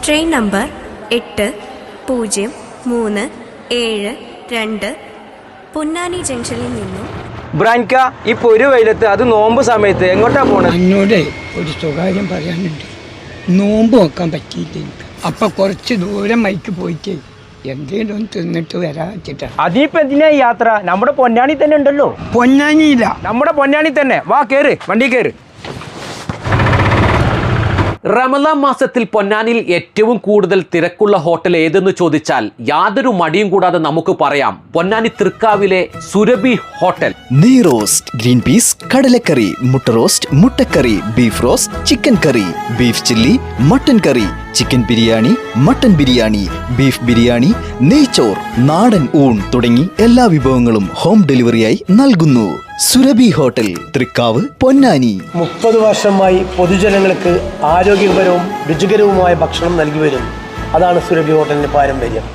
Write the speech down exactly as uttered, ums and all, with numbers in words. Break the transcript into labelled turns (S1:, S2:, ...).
S1: Train number എട്ട് പൂജ്യം മൂന്ന് ഏഴ് രണ്ട് പൊന്നാനി ജംഗ്ഷനിൽ നിന്നും.
S2: ബ്രാൻക ഇപ്പൊ ഒരു വെയിലത്ത് അത് നോമ്പ് സമയത്ത് എങ്ങോട്ടാ പോണത്?
S3: എന്നോട് ഒരു സ്വകാര്യം പറയാനുണ്ട്. നോമ്പ് നോക്കാൻ പറ്റിയില്ല എനിക്ക്. അപ്പൊ കുറച്ച് ദൂരം മൈക്ക് പോയിട്ട് എന്തെങ്കിലും ഒന്ന് തിന്നിട്ട് വരാച്ചിട്ടാ.
S2: അതിപ്പോ എന്തിനാ യാത്ര? നമ്മുടെ പൊന്നാനി തന്നെ ഉണ്ടല്ലോ.
S3: പൊന്നാനിയില്ല,
S2: നമ്മുടെ പൊന്നാനി തന്നെ. വാ കേറ്, വണ്ടി കേറ്.
S4: റമദാൻ മാസത്തിൽ പൊന്നാനിയിൽ ഏറ്റവും കൂടുതൽ തിരക്കുള്ള ഹോട്ടൽ ഏതെന്ന് ചോദിച്ചാൽ യാതൊരു മടിയും കൂടാതെ നമുക്ക് പറയാം, പൊന്നാനി തൃക്കാവിലെ സുരഭി ഹോട്ടൽ.
S5: നെയ് റോസ്റ്റ്, ഗ്രീൻ പീസ്, കടലക്കറി, മുട്ട റോസ്റ്റ്, മുട്ടക്കറി, beef roast, chicken curry, beef chilli, mutton curry, chicken biryani, mutton biryani, beef biryani, നെയ്ച്ചോർ, നാടൻ ഊൺ തുടങ്ങി എല്ലാ വിഭവങ്ങളും ഹോം ഡെലിവറിയായി നൽകുന്നു. സുരഭി ഹോട്ടൽ, തൃക്കാവ്, പൊന്നാനി.
S6: മുപ്പത് വർഷമായി പൊതുജനങ്ങൾക്ക് ആരോഗ്യകരവും രുചികരവുമായ ഭക്ഷണം നൽകി വരുന്നു. അതാണ് സുരഭി ഹോട്ടലിന്റെ പാരമ്പര്യം.